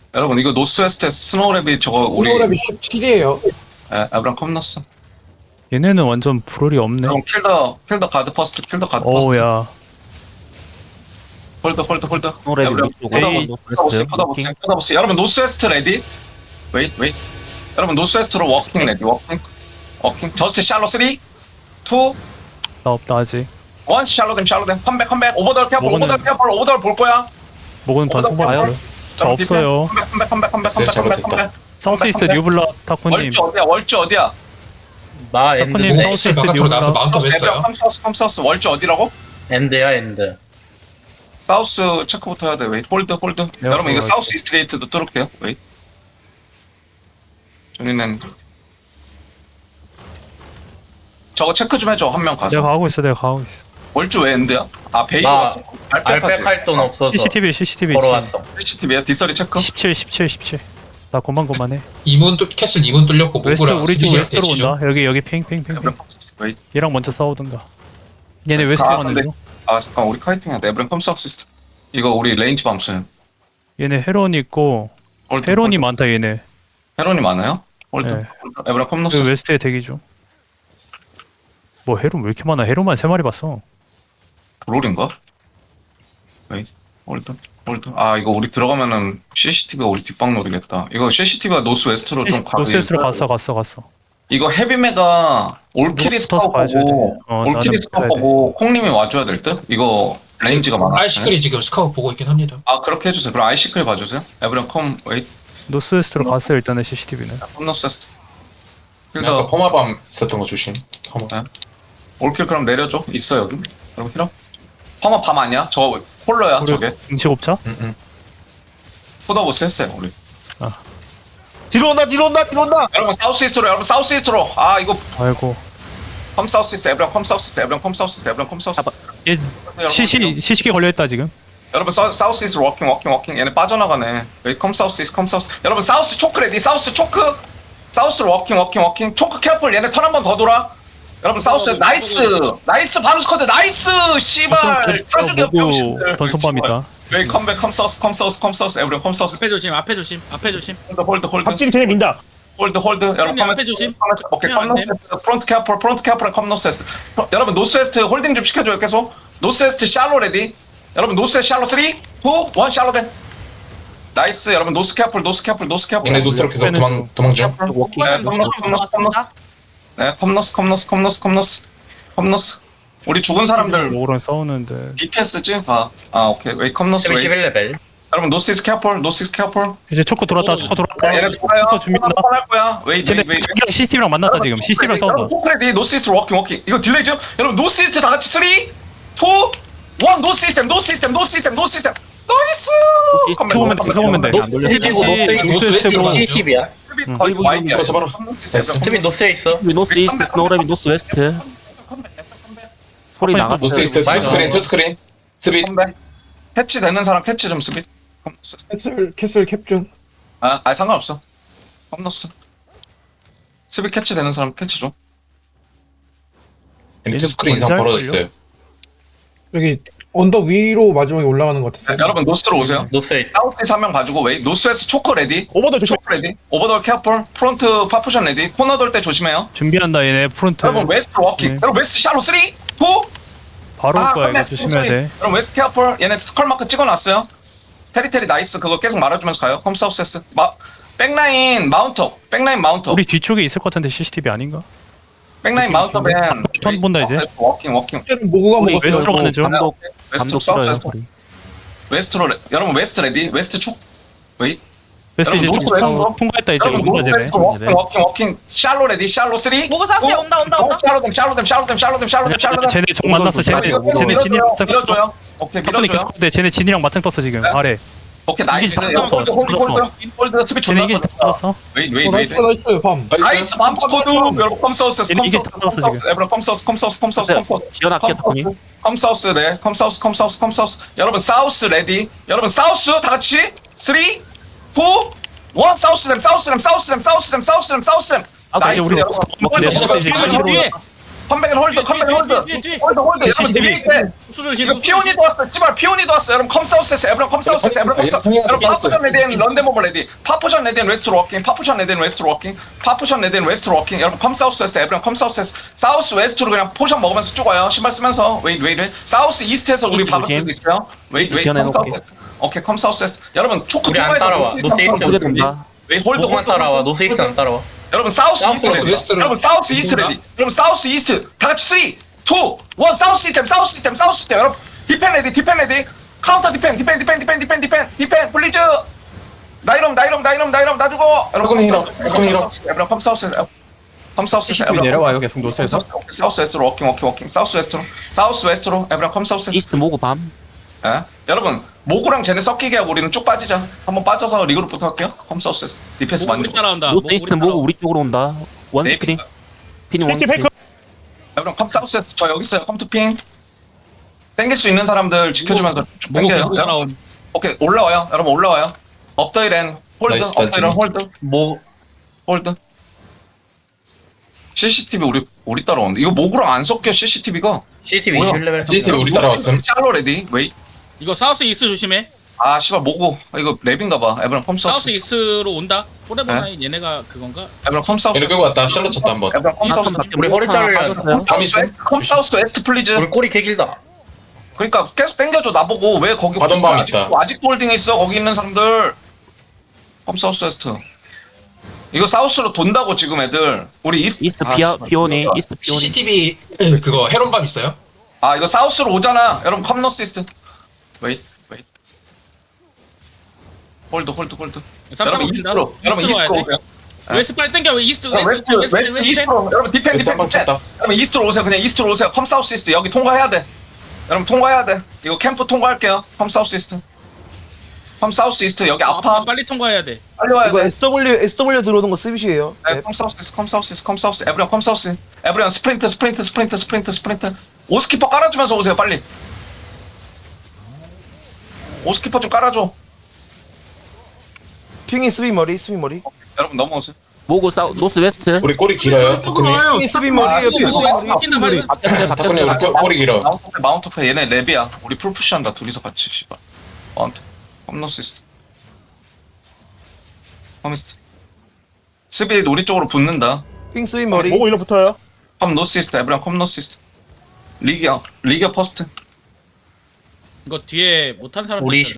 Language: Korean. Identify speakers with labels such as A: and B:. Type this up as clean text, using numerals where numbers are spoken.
A: 여러분 이거 노스웨스트 스노우랩이 저거 우리
B: 스노우랩이 17이에요.
A: 에브랑 컴너스.
C: 얘네는 완전 불얼이 없네.
A: 여러분 킬더 가드 퍼스트 킬더 가드 퍼스트.
C: 어우야.
A: 홀드
D: 노래비
A: 에브랑
D: 위쪽으로
A: 포다보스. 여러분 노스웨스트 레디. 웨이트. 여러분 노스웨스트로 워킹 레디. 워킹 저스트 샬로 3 2 1
C: 나 없다 아직.
A: 샬로 댐 컴백 오버돌 캐플 오버돌 볼 거야.
C: 먹은 다 성공했어요. 저 없어요.
A: 컴백.
C: 사우스 이스트 뉴블라 타코님.
A: 월주 어디야?
E: 나 엔드.
C: 타코님 사우스 이스트
F: 바깥으로 나와서
C: 뉴블라.
F: 마운트 했어요.
A: 컴사우스 월주 어디라고?
E: 엔드야 엔드.
A: 사우스 체크부터 해야 돼. 웨이트 홀드.
C: 네,
A: 여러분 이거
C: 홀드.
A: 사우스 이스트 게이트도 뚫을게요. 웨이트. 저희는 저거 체크 좀 해줘. 한 명 가서.
C: 내가 가고 있어.
A: 월주 왜 엔드야? 아 베이로
E: 나
A: 왔어.
E: 알백
A: 알백하지.
E: 할 돈 없어서
C: CCTV
E: 보러 왔어.
A: CCTV야 디서리 체크.
C: 17. 나 고만고만해.
F: 캐슬 2문 뚫렸고
C: 웨스트
F: 모브랑
C: 우리 쪽
F: 수비시랑
C: 웨스트로
F: 대치 중.
C: 온다. 여기 핑.
A: 웨이트.
C: 얘랑 먼저 싸우든가. 얘네 웨스트로 가는 중.
A: 아 잠깐 우리 카이팅 해야 돼. 에브랑 컴사우스 시스템. 이거 우리 레인지 밤수야.
C: 얘네 헤론 있고
A: 홀드,
C: 헤론이
A: 홀드.
C: 많다 얘네.
A: 헤론이 많아요? 홀드.
C: 네.
A: 에브랑
C: 그
A: 컴노스.
C: 웨스트에 대기 중. 뭐 헤론 왜 이렇게 많아? 헤론만 3마리 봤어.
A: 브롤인가? 웨이트. 홀드. 아 이거 우리 들어가면은 CCTV가 우리 뒷방 노리겠다. 이거 CCTV가 노스 웨스트로 좀 가고.
C: 노스웨스트로 갔어.
A: 이거 헤비메가 올킬이
C: 이거
A: 스카우
C: 붙어서 봐줘야
A: 보고
C: 돼.
A: 올킬이
C: 나는
A: 스카우
C: 붙어야 돼.
A: 보고 콩님이 와줘야 될 듯? 이거 레인지가 많아.
F: 아이시클이 지금 스카웃 보고 있긴 합니다.
A: 아 그렇게 해주세요. 그럼 아이시클 봐주세요. 에브리언 컴 웨이트
C: 노스웨스트로 갔어요 일단은 CCTV는.
A: 컴노세스트.
F: 아까
A: 그래서
F: 퍼마밤 있었던 거 조심.
A: 올킬 그럼 내려줘. 있어 여기. 여러분 필요? 퍼마 밤 아니야? 저 홀러야 저게.
C: 응치곱차?
A: 포더보스 했어요 우리.
D: 뒤로 온다.
A: 여러분 사우스 이스트로. 아 이거
C: 아이고.
A: 컴 사우스 이스트. 에브리언 컴 사우스 이스트.
C: 얘 CC기 걸려있다 지금.
A: 여러분 사우스 이스트 워킹. 얘네 빠져나가네. 여기 컴 사우스. 여러분 사우스 초크 레디. 사우스 초크. 사우스로 워킹. 초크 캐플. 얘네 턴 한 번 더 돌아. 여러분 사우스 나이스 밤스쿼드 나이스 씨발 타죽이 병신들.
C: 던선밤이다.
A: 여기 컴백 컴 사우스. 에브리언 컴 사우스.
G: 앞에 조심.
A: 홀드.
B: 갑자기 쟤네 민다.
A: 홀드. 여러분
G: 형님, 앞에 조심.
A: 오케이
G: 형님,
A: 컴노세스트. 프론트 캐플 컴노세스트. 여러분 노스웨스트 홀딩 좀 시켜줘요 계속. 노스웨스트 샬로 레디. 여러분 노스웨스트 샬로 3 2 1 샬로 된. 나이스. 여러분 노스 캐플.
F: 얘네 노스로 계속 도망 중.
A: 네, 컴너스. 우리 죽은 사람들
C: 오랑 싸우는데.
A: DPS지 다. 아, 오케이. 웨이 컴너스 웨이.
E: 11레벨.
A: 여러분 노스이스 캐플.
C: 이제 초코 돌았다.
A: 얘네 돌아요.
C: 초코 준비한다.
A: 할 거야. 웨이.
C: 쟤네 자기랑 CCTV랑 만났다 지금. CCTV랑 싸운다.
A: 포크레디 노스이스 워킹. 이거 딜레이죠? 여러분 노스이스트 다 같이 3 2 1 노 시스템. 나이스.
C: 계속 오면 돼.
F: 노스웨스트로 가는 중.
E: 70이야.
A: 거의 와이드야.
F: 그래서 바로
E: 스팀이 노스에 있어.
D: 노스 이스트 스노우랩이 노스 웨스트. 소리 나갔어요.
F: 노스웨스트 투 스크린. 스빗.
A: 캐치 되는 사람 캐치 좀 스빗.
B: 캐슬 캡 중.
A: 아 상관없어. 컴너스. 스빗 캐치 되는 사람 캐치 좀.
F: 투 스크린 이상 벌어졌어요.
B: 여기 언덕 위로 마지막에 올라가는 것 같았어요.
A: 여러분 노스로 오세요.
E: 노스에 있어.
A: 사우스에서 한 명 봐주고 웨이. 노스에서 초크 레디.
B: 오버더 조심.
A: 초크 레디. 오버돌 캐플. 프론트 파푸션 레디. 코너 돌 때 조심해요.
C: 준비한다 얘네 프론트.
A: 여러분 웨스트 워킹.
C: 네.
A: 여러분 웨스트 샬로 3 2 1
C: 바로 올 거야 이거 조심해야 돼.
A: 여러분 웨스트 캐플. 얘네 스컬 마크 찍어놨어요. 테리테리 나이스. 그거 계속 말아주면서 가요. 컴 사우스에스. 백라인 마운터.
C: 우리 뒤쪽에 있을 것 같은데 CCTV 아닌가?
A: 백라인 마운터 밴.
C: 턴 본다 이제.
A: 워킹.
B: 모구가
D: 우리
B: 먹었어요.
C: 웨스트로 가는 중.
A: 웨스트
D: 감독 싫어요.
A: 사우스. 웨스트로 여러분 웨스트 레디. 웨스트 촉. 웨이.
C: 웨스트 이제
A: 여러분,
C: 좀
A: 노스로
C: 통과했다 이제.
A: 여러분
C: 온다 쟤네.
A: 웨스트 워킹. 샬로 레디. 샬로 3 2 1
G: 뭐가 샀어요? 온다.
C: 쟤네 정 만났어. 쟤네 진이랑 맞짱 떴어.
A: 밀어줘요. 오케이
C: 타코님
A: 밀어줘요.
C: 계속 근데 쟤네 진이랑 맞짱 떴어 지금
A: 네.
C: 아래.
A: 오케이 나이스.
C: 이기지 다 떴어.
A: 홀드 스피
C: 쟤네
A: 존나
C: 이기지 다 떴어.
A: 웨이.
B: 나이스 밤.
A: 나이스 맘스코드. 여러분 컴사우스.
C: 얘네 이기지 다 떴어 지금.
A: 여러분 컴사우스.
D: 지원할게 타코님.
A: 컴사우스. 네. 컴사우스. 여러분 사우스 레디. 여러분 사우스 다 같이 3 2 1 사우스램.
C: 아까 이제 우리
A: 나이스.
C: 네,
D: 뒤에.
A: 컴백을 홀드 컴백을 홀드 홀드 여러분 뒤에 있대 이거 피오니도 왔어 찌발 피오니도 왔어 여러분 컴사우스에서 에브런 컴사우스에서 에브런 컴사우스 여러분 파푸션 레디엔 런데모버 레디 파푸션 레디엔 웨스트로 워킹 파푸션 레디엔 웨스트로 워킹 파푸션 레디엔 웨스트로 워킹 여러분 컴사우스에서 에브런 컴사우스에서 사우스 웨스트로 그냥 포션 먹으면서 쭉 와요 신발 쓰면서 웨이트 사우스 이스트에서 우리
D: 이스트
A: 박을
D: 조심.
A: 수도 있어요 웨이트
D: 지원해놓을게.
A: 컴사우스 오케이 컴사우스에서 여러분 초크
E: 우리 안
A: 통과해서
E: 따라와.
A: 노스
E: 노스
A: 이스트
E: 이스트
A: 한번
D: 돈다.
A: 웨이 홀드
E: 노스만 따라와. 노스 이스트 안 따라와.
A: 여러분 사우스 이스트
E: 사우스
A: 레디.
F: 웨스트로.
A: 여러분 사우스 이스트 레디 여러분 사우스 이스트 다 같이 3 2 1 사우스 시스템 사우스 시스템 사우스 시스템 여러분 디펜 레디 카운터 디펜 플리즈 나이럼 놔주고
F: 여러분 히로
A: 여러분 컴사우스
C: CCTV 내려와요 계속 노스에서.
A: 사우스 웨스트로 워킹 사우스 웨스트로 에브랑 컴사우스
D: 이스트 모고 밤.
A: 예? 여러분 모구랑 쟤네 섞이게 하고 우리는 쭉 빠지자 한번 빠져서 리그룹부터 할게요 컴사우스 디펜스
G: 우리
A: 만족
G: 따라온다.
D: 노스 이스트 모고 우리 쪽으로 온다. 원
A: 네.
D: 스크린. 피는 원 스크린.
A: 여러분 컴사우스 저 여기 있어요 컴투핑 땡길 수 있는 사람들 지켜주면서 쭉
G: 뭐고
A: 땡겨요
G: 계속 따라온.
A: 오케이 올라와요 여러분 올라와요 업더이렌 홀드
F: 나이스,
A: 업더이렌
F: 나이스.
A: 홀드 CCTV 우리 따라오는데 이거 모구랑 안 섞여 CCTV가
E: CCTV
A: 뭐야?
E: 21레벨.
F: CCTV 우리 따라왔음.
A: 샬로 레디 웨이
G: 이거 사우스 이스트 조심해.
A: 아 씨발 모구 이거 랩인가봐 에브랑
G: 사우스
A: 컴사우스
G: 이스트로 온다. 포레버나인 얘네가 그건가?
A: 에브랑 컴사우스
F: 얘네 끌고 왔다 샬럿 쳤다 한번
A: 에브랑 컴사우스
E: 우리 허리 잘려.
A: 컴사우스 웨스트 플리즈
E: 우리 꼬리 개 길다.
A: 그러니까 계속 땡겨줘 나보고 왜 거기
F: 받은 방 있다.
A: 아직도 홀딩 있어 거기 있는 사람들 컴사우스 웨스트 이거 사우스로 돈다고 지금 애들 우리 이스트
D: 이스트
A: 씨발.
D: 피오니. 이스트 피오니.
H: CCTV 그거 헤론밤 있어요?
A: 아 이거 사우스로 오잖아 여러분 컴노스 이스트 웨이 홀드 여러분 이스트로 여러분 이스트로 오세요
G: 웨스트 빨리 땡겨. 웨스트
A: 웨스트 이스트로 여러분 디펜
F: 웨스트 한번 쳤다.
A: 여러분 이스트로 오세요 그냥 이스트로 오세요 컴사우스 이스트 여기 통과해야 돼 여러분 통과해야 돼 이거 캠프 통과할게요 컴사우스 이스트 컴사우스 이스트 여기 아파
G: 빨리 통과해야 돼.
A: 빨리 와야
I: 이거
A: 돼
I: SW 들어오는 거 스윗이에요.
A: 네, 컴사우스 에브리언 컴사우스 에브리언 스프린트 오스키퍼 깔아주면서 오세요 빨리 오스키퍼 좀 깔아줘
I: 핑이 스윗 머리.
A: 여러분 넘어오세요
D: 모고 사우 노스 웨스트.
F: 우리 꼬리 길어요 타쿠니
I: 핑이 스윗 머리예요. 핑 스윗 머리.
G: 낀다 말이야.
F: 타쿠니 우리 꼬리 길어
A: 마운트패 얘네 랩이야 우리 풀푸시한다 둘이서 같이 씨발 마운트 컴노시스트 컴미스트 스비드 우리 쪽으로 붙는다
I: 핑 스윗 머리.
B: 일로 붙어요.
A: 컴노시스트 에브리언 컴노시스트 리기어 퍼스트
G: 이거 뒤에 못한 사람
E: 우리